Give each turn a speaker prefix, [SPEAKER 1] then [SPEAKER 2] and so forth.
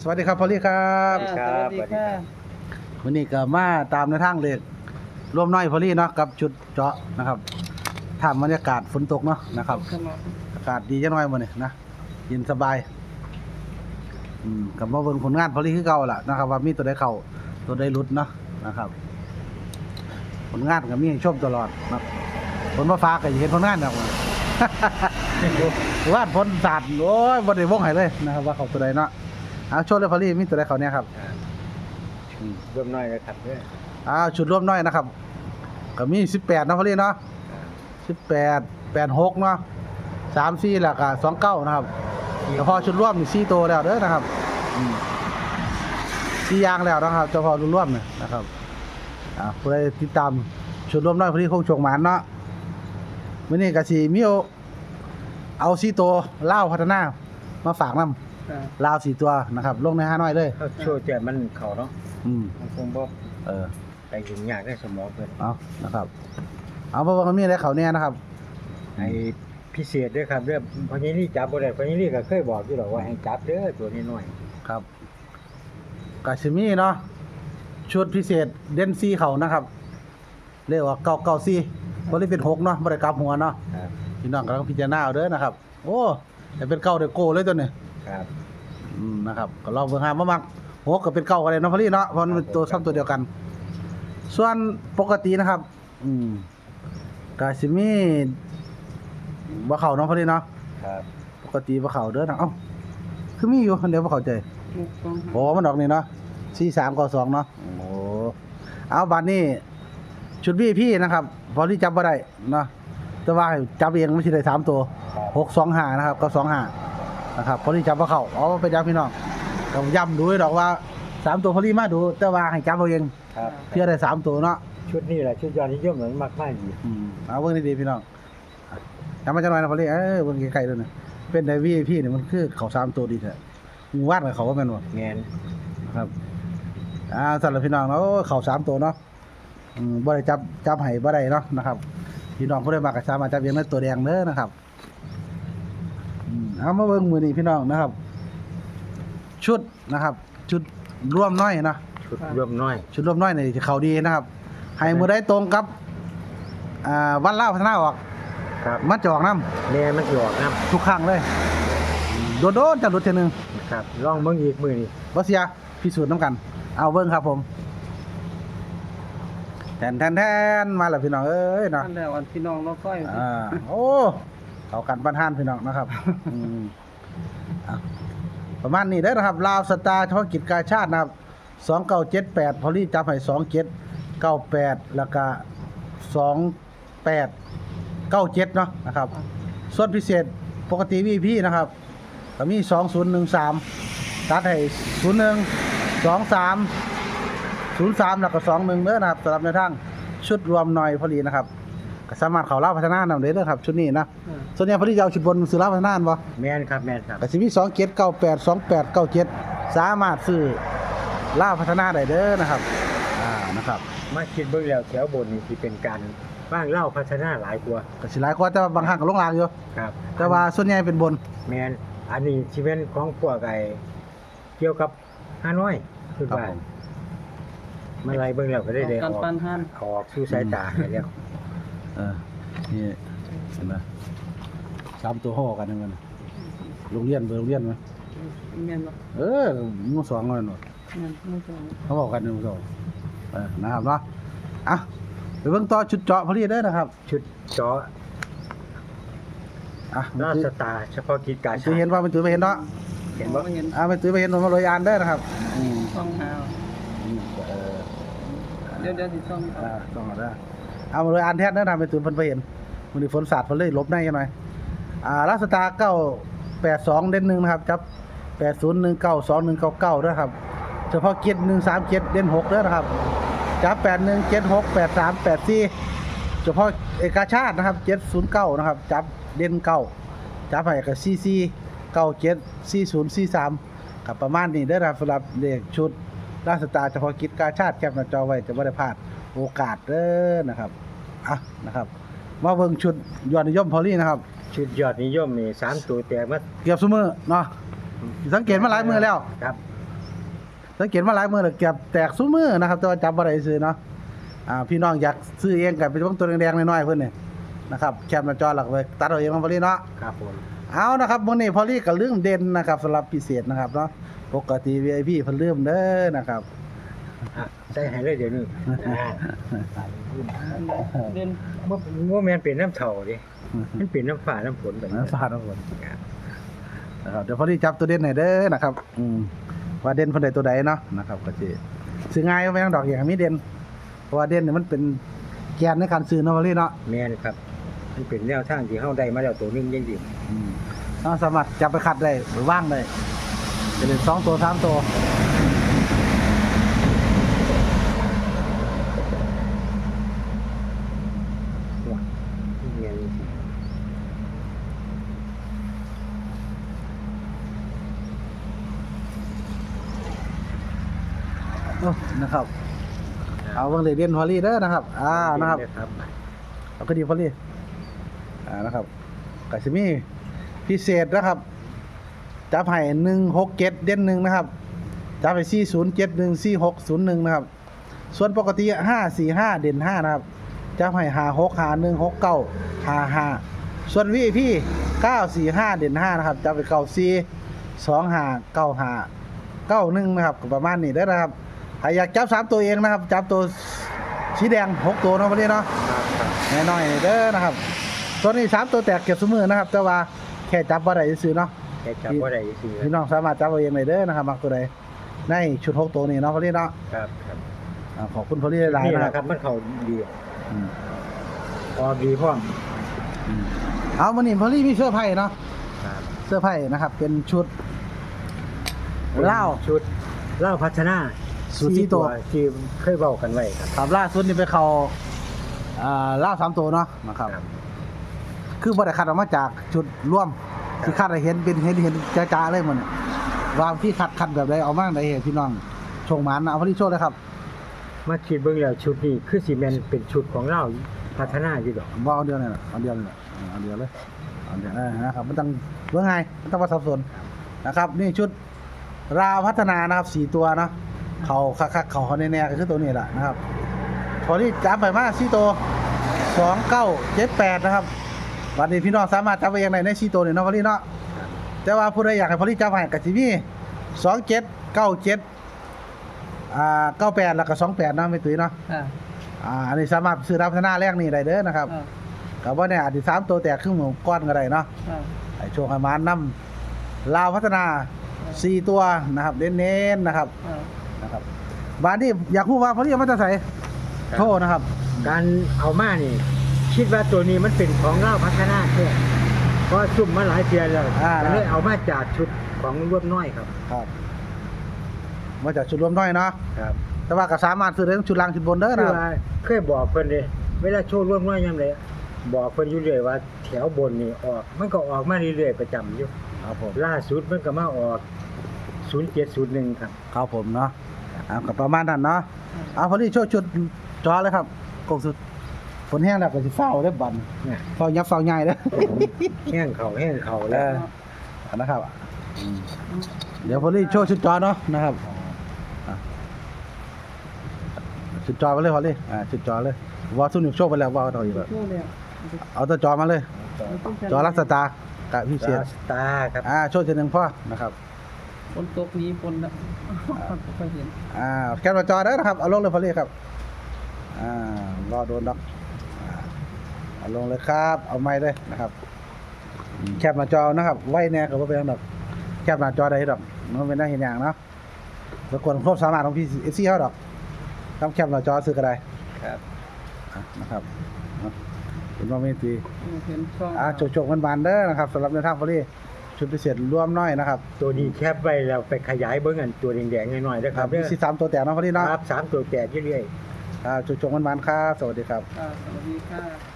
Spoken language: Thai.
[SPEAKER 1] สวัสดีครับพอลลี่ครับ
[SPEAKER 2] สวัสดีค่ะ
[SPEAKER 1] วันนี้ก็มาตามในทางเลขร่วมน้อยพอลลี่เนาะกับจุดเจาะนะครับท่ามบรรยากาศฝนตกเนาะนะครับอากาศดีจังหน่อยมื้อนี้นะเย็นสบายกับมาเบิ่งผลงานพอลลี่คือเก่าล่ะนะครับว่ามีตัวใดเข้าตัวใดหลุดเนาะนะครับผลงานก็มีให้ชมตลอดนะผลมาฟ้าก็เห็นผลงานแล้ว วาดผลศาสตร์โอ้ยบ่ได้วงให้เลยนะครับว่าเขาตัวใดเนาะเอาโชว์เลยพอลลี่มีตัวใดเข้าเนี่ยครับ
[SPEAKER 2] ร่วมน้อยเลยครับด้วย
[SPEAKER 1] ชุดร่วมน้อยนะครับก็มี18นะพอลี่เนาะ18 86เนาะ34แล้วก็29นะครับเฉพาะชุดร่วมนี่4ตัวแล้วเด้อนะครับ4อย่างแล้วนะครับเฉพาะชุดร่วมเนี่ยนะครับผู้ใดติดตามชุดร่วมน้อยพอลี่คงโชคหมานเนาะมื้อนี้ก็สิมีเอา4ตัวลาวพัฒนามาฝากนำลาว4ตัวนะครับลงใน5น้อยเลย
[SPEAKER 2] เขาโชว์แต่มันเขาเนาะมันคงบ่ไปถึงยากได้สมองเพิ่น
[SPEAKER 1] เอานะครับเอาเพราะว่ามันมีอะไรเขาเนี่ยนะครับ
[SPEAKER 2] ไอ้พิเศษด้วยครับเรื่องพญานี่จับบ่ได้พญานี่ก็เคยบอกอยู่หรอกว่าให้จับเด้อตัวน้อย
[SPEAKER 1] ครับกาชิมีเนาะชุดพิเศษเดนซีเขานะครับเรียกว่า994บ่ได้เป็น6เนาะบ่ได้กลับหัวเนาะ
[SPEAKER 2] ครับ
[SPEAKER 1] พี่น้องกำลังพิจารณาเอาเด้อนะครับโอ้แต่เป็น9ได้โกเลยตัวนี้
[SPEAKER 2] ครับ
[SPEAKER 1] นะครับก็ลองเบิ่งหามามัก6ก็เป็น9ก็ได้เนาะพอลี่เนาะเพราะมันเป็นตัวซ้ำตัวเดียวกัน ส่วนปกตินะครับกาชิมีบ่เข้าเนาะพอลี่เนาะ
[SPEAKER 2] ครับ
[SPEAKER 1] ปกติบ่เข้าเด้อนะเอ้าคือมีอยู่เดี๋ยวบ่เข้าใจโอ้มันออกนี่เนาะ4392เนาะโอ้เอาบัดนี้ชุดพี่นะครับพอที่จับบ่ได้เนาะแต่ว่าจับเองมันสิได้3ตัว625นะครับก็25นะครับพอที่จับบ่เข้าเอาไปจับพี่น้องก็ย้ำดูให้ดอกว่า3ตัวพอที่มาดูแต่ว่าให้จับเอาเอง
[SPEAKER 2] ครับ
[SPEAKER 1] เพื่อได้3ตัวเนาะ
[SPEAKER 2] ชุดนี้แหละชุดยอดนิยมเหมือนมากๆอยู่
[SPEAKER 1] เอาเบิ่งดีๆพี่น้องจำมาจังหน่อยนะพอลี่เบิ่งไกลๆด้วยนะเป็นได้พี่นี่มันคือเขา3ตัวดีแท้มึงวาดกับเขาว่าแม่นบ่
[SPEAKER 2] แม่น
[SPEAKER 1] ครับสำหรับพี่น้องเนาะเขา3ตัวเนาะบ่ได้จับให้บ่ได้เนาะนะครับพี่น้องผู้ใดมักก็สามารถจับเองได้ตัวแดงเด้อนะครับเอามาเบิ่งมื้อนี้พี่น้องนะครับ ชุดนะครับ ชุดร่วมน้อยนะ
[SPEAKER 2] ชุดร่วมน้อย
[SPEAKER 1] ชุดร่วมน้อยนี่สิเข้าดีนะครับให้มื้อใดตรงกับวันลาวพัฒนาออก
[SPEAKER 2] ครับ
[SPEAKER 1] มันจะออกนำ
[SPEAKER 2] แม่มันสิออกนํ
[SPEAKER 1] ทุกครั้งเลยโดนๆจะหลุดเทื่อนึง
[SPEAKER 2] ครับลองเบิ่งอีกมื้อนี้
[SPEAKER 1] บ่เสียพิสูจน์นำกัน เอาเบิ่งครับผมแทนมาแล้วพี่น้องเอ้ยเนาะ
[SPEAKER 3] นั่นแหละวันพี่น้องเราก้อย
[SPEAKER 1] โอ้เข้ากันบ้านห้านพี่น้องนะครับอ่ะประมาณนี้เด้อนะครับลาวสตาร์เฉพาะกิจการชาตินะครับ2978พอลี่จับให้2798แล้วก็2897เนาะนะครับส่วนพิเศษปกติ VIP นะครับก็มี2013ตัดให้01 23 03แล้วก็21เด้อนะครับสำหรับในทางชุดรวมหน่อยพอดีนะครับก็สามารถเข้าลาวพัฒนานำได้เด้อครับชุดนี้นะส่วนใหญ่พอดีจะเอาชุดบนซื้อลาวพัฒนานบ่
[SPEAKER 2] แม่นครับแม่นครับ
[SPEAKER 1] ก็สิมี2798 2897สามารถซื้อลาวพัฒนาได้เด้อนะครับนะครับ
[SPEAKER 2] มาคิดเบิ่งแล้วแถวบนนี่สิเป็นการบ้างเล่าพัฒนาหลายกว่า
[SPEAKER 1] ก็สิหลายกว่าแต่ว่าบางครั้งก็ลงลางอยู่
[SPEAKER 2] ครับ
[SPEAKER 1] แต่ว่าส่วนใหญ่เป็นบน
[SPEAKER 2] แมนอันนี้ชีวิตของพวกไอ้เกี่ยวกับฮานอยคือ
[SPEAKER 1] ครับ
[SPEAKER 2] ว่า
[SPEAKER 1] ผม
[SPEAKER 2] มันไรเบิ่งแล้วก็ได้อ
[SPEAKER 3] กัน
[SPEAKER 2] อก
[SPEAKER 3] ปันหัน
[SPEAKER 2] ออกสู่สายตาให้แล้ว
[SPEAKER 1] นี่เห็นไหม3ตัวห่อกันนั่นมันโรงเรียนมั้ย
[SPEAKER 3] เมียนบ่
[SPEAKER 1] หมู่2นั่นน่ะ
[SPEAKER 3] เมียนไม่ใช่
[SPEAKER 1] เขาบอกกันหมู่2นะครับเนาะอ่ะไปเบิ่งต่อชุดเจาะพอดีเด้อนะครับ
[SPEAKER 2] ชุดเจาะ
[SPEAKER 1] เมื่อ
[SPEAKER 2] รา
[SPEAKER 1] กี้
[SPEAKER 2] ชตาเฉพาะกิจการ
[SPEAKER 1] จะเห็นว่ามันถือไปเห็นเนาะ
[SPEAKER 2] เห็นบ่
[SPEAKER 3] เห็น
[SPEAKER 1] มันถือไปเห็นผมมาลอยอ่านเด้อนะครับ
[SPEAKER 3] ต้องหาเดี๋ยวสิต้อง
[SPEAKER 1] ต้องเอาได้เอามาเลยอ่านแท้เด้อทำไปถือเพิ่นไปเห็นมื้อนี้ฝนสาดเพิ่นเลยลบในกันหน่อยลาสตาร์982เด่น1นะครับจับ80192199เด้อครับเฉพาะเกียรติ137เด่น6เด้อนะครับจับ81768384เฉพาะเอกชาตินะครับ709นะครับจับเด่น9จับให้กับCC974043กับประมาณนี้เด้อครับสำหรับเลขชุดราชสตาร์เฉพาะกิจการชาติแคปหน้าจอไว้จะบ่ได้พลาดโอกาสเด้อนะครับนะครับมาเบิ่งชุดยอดนิยมพอลี่นะครับ
[SPEAKER 2] ชุดยอดนิยมนี่3ตัวแตกมา
[SPEAKER 1] เกือบซุมื้อเนาะสังเกตมาหลายมื้อแล้ว
[SPEAKER 2] ครับ
[SPEAKER 1] สังเกตมาหลายมื้อแล้วเก็บแตกซุมื้อนะครับแต่ว่าจับบ่ได้ซื้อเนาะพี่น้องอยากซื้อเองก็ไปเบิ่งตัวแดงๆน้อยๆเพิ่นนี่นะครับแคปหน้าจอหลักไว้ตัดเอาเองของพอลี่เนาะ
[SPEAKER 2] ครับผม
[SPEAKER 1] เอานะครับมื้อนี้พอลี่ก็ลืมเด่นนะครับสำหรับพิเศษนะครับเนาะปกติ VIP เพิ่นลืมเด้อนะครับ
[SPEAKER 2] ใส่ให้เลยเดี๋ยวนี้
[SPEAKER 3] เดิน
[SPEAKER 2] ว่าแม่นเป็นน้ำเฒ่าดิมันเป็นน้ำฟ้าน้ำฝนแบบนี้
[SPEAKER 1] ฟาดเอาคนนะครับเดี๋ยวพอลี่จับตัวเด่นให้เด้อนะครับว่าเด่นเพิ่นได้ตัวใดเนาะนะครับก็สิซื้อง่ายบ่แม่นดอกอย่างมีเด่นเพราะว่าเด่นนี่มันเป็นแกนในการซื้อเนาะพอลี่เนาะ
[SPEAKER 2] แม่นครับมันเป็นแนวทางที่เฮาได้มาแล้วตัวหนึงยังดี
[SPEAKER 1] เราสามารถจับไปขัดได้หรือว่างได้จะเป็น2ตัว3ตัวนะครับเอาเบิ่งเลยเด่นพอลี่เด้อนะครับนะครับเอาก็ดีพอลี่นะครับก็สิมีพิเศษนะครับจับให้167เด่น1นะครับจับให้4071 4601นะครับส่วนปกติ545เด่น5นะครับจับให้56 51 69 55ส่วน VIP 945เด่น5นะครับจับไป94 25 95 91นะครับก็ประมาณนี้เด้อนะครับใครอยากจับ3ตัวเองนะครับจับตัวสีแดง6ตัวเนาะพอลี่เนาะแน่น้อยเด้อนะครับตัวนี้3ตัวแตกเก็บซุมือนะครับแต่ว่าแค่จับบ่ได้ซื่อเนาะ
[SPEAKER 2] แค่จับบ่ได้ซื่อ
[SPEAKER 1] พี่น้องสามารถจับเอาเองได้เด้อนะครับมักตัวใดในชุด6ตัวนี้เนาะพอลี่เนาะ
[SPEAKER 2] ครับ
[SPEAKER 1] ขอบคุณพอลี่หลาย
[SPEAKER 2] นี่
[SPEAKER 1] ๆนะ
[SPEAKER 2] แหละ
[SPEAKER 1] ค
[SPEAKER 2] ครับ รับมันเข้าดี
[SPEAKER 1] อืม
[SPEAKER 2] ออกดีพร้อม
[SPEAKER 1] เอามื้อนี้พอลี่มีเสื้อไผ่เนาะ
[SPEAKER 2] ครับ
[SPEAKER 1] เสื้อไผ่นะครับเป็นชุดเหล้า
[SPEAKER 2] ชุดเหล้าพัฒนา
[SPEAKER 1] สูตรที่ตัว
[SPEAKER 2] ที่เคยเว้ากันไว้ครับ
[SPEAKER 1] ครับล่าสุดนี่ไปเข้าเหล้า3ตัวเนาะนะครับคือบ่ได้คัดออกมาจากชุดร่วมที่คัดให้เห็นเป็นเห็นจ้าๆเลยหมดเนี่ยว่าพี่คัดแบบใดเอามาได้ให้พี่น้องชงหมานนะเอาพอลี่โชว์เลยครับ
[SPEAKER 2] มาคิดเบิ่งแล้วชุดนี้คือสิแม่นเป็นชุดของเหล้าพัฒนาอยู่ดอก
[SPEAKER 1] ว่าเอาเดียวนี่แหละเอาเดียวนี่แหละเอาเดียวเลยเอาเดียวนะครับมันต้องเรื่องไงมันต้องว่าสับสนนะครับนี่ชุดราวพัฒนานะครับ4ตัวเนาะเขาคักๆเขาแน่ๆก็คือตัวนี้แหละนะครับพอที่จับไปมา4ตัว2978นะครับวันนี้พี่น้องสามารถจับไปอย่างไรใน4ตัวนี่เนาะพอลี่เนาะแต่ว่าผู้ใดอยากให้พอลี่จับให้ก็สิมี27 97 98แล้วก็28เนาะไม่ตุ้ยเนาะ
[SPEAKER 3] ค่ะ
[SPEAKER 1] อันนี้สามารถซื้อรับพัฒนาแรกนี่ได้เด้อนะครับกับว่าเนี่ยอาจจะ3ตัวแตกครึ่งหมู่ก้อนก็ได้เนาะให้โชคให้มานำลาวพัฒนา4ตัวนะครับเน้นๆนะครับบานนี้อยากรู้ว่าพอลี่เอามาจะใส่โทษนะครับ
[SPEAKER 2] การเอามานี่คิดว่าตัวนี้มันเป็นของเหล้าพัฒนาแท้เพราะซุ่มมาหลายเทื่อแล้วก็เลยเอามาจากชุดของรวบน้อยครับ
[SPEAKER 1] ครับมาจากชุดรวมน้อยเนาะ
[SPEAKER 2] ครับ
[SPEAKER 1] แต่ว่าก็สามารถซื้อได้ทั้งชุดล่างชุดบนเด้อ
[SPEAKER 2] คือ
[SPEAKER 1] นะครับ
[SPEAKER 2] ว่าเคยบอกเพิ่นเด้เวลาโชว์รวบน้อยยามใดบอกเพิ่นอยู่เรื่อยว่าแถวบนนี่ออกมันก็ออกมาเรื่อยๆประจำอยู่
[SPEAKER 1] ครับผม
[SPEAKER 2] ล่าสุดมันก็มาออก0701ครับ
[SPEAKER 1] ครับผมเนาะกับประมาณนั้นเนาะเอาพอลี่โชว์ชุดจอเลยครับกงสุดฝนแห้งแล้วก็สิเฝ้าได้บัน
[SPEAKER 2] เนี่ย
[SPEAKER 1] เฝ้ายับเฝ้าใหญ่เด้อ
[SPEAKER 2] แห้งเขาแล้ว
[SPEAKER 1] นะครับเดี๋ยวพอลี่โชว์ชุดจอเนาะนะครับชุดจอไปเลยพอลี่ชุดจอเลยว่าซุ่มโชว์ไปแล้วว่าเอาอีกแล้ว
[SPEAKER 3] โชว์แล้ว
[SPEAKER 1] เอาตัวจอมาเลย จอรักสตาร์กับพี่เชีย
[SPEAKER 2] สตาร์ครับ
[SPEAKER 1] โชว์ทีหนึงพ่อนะครับ
[SPEAKER 3] ฝนตกนี้ฝนละไม่ค่อยเห็น
[SPEAKER 1] แคปหน้าจอได้อนะครับเอาลงเลยพอลี่ครับรอโดนดอกเอาลงเลยครับเอาไม้เลยนะครับแคปหน้าจอนะครับไว้แน่กับว่าเป็นดอกแคปหน้าจอได้ดอกมันเป็นได้เห็นอย่างเนาะแล้วคนครบสามารถของพี่เอฟซีเขาดอกทำแคปหน้าจอซื้อก็ได้
[SPEAKER 2] ครับ
[SPEAKER 1] นะครับเห็นว่าไม่ตี
[SPEAKER 3] เห็นช่อง
[SPEAKER 1] โจกๆมันบานๆเด้อนะครับสำหรับในทางพอลี่ชุดพิเศษรวมน้อยนะครับ
[SPEAKER 2] ตัวนี้แคบไว้แล้วไปขยายเบิ่งอันตัวแดงๆหน่อยๆนะครับ
[SPEAKER 1] มี3ตัวแตกเนาะพอลี่เนาะ
[SPEAKER 2] ครับ3ตัวแตกเรื่อยๆ
[SPEAKER 1] โจกๆมันบานๆครับสวัสดีครับ
[SPEAKER 3] สวัสดีค่ะ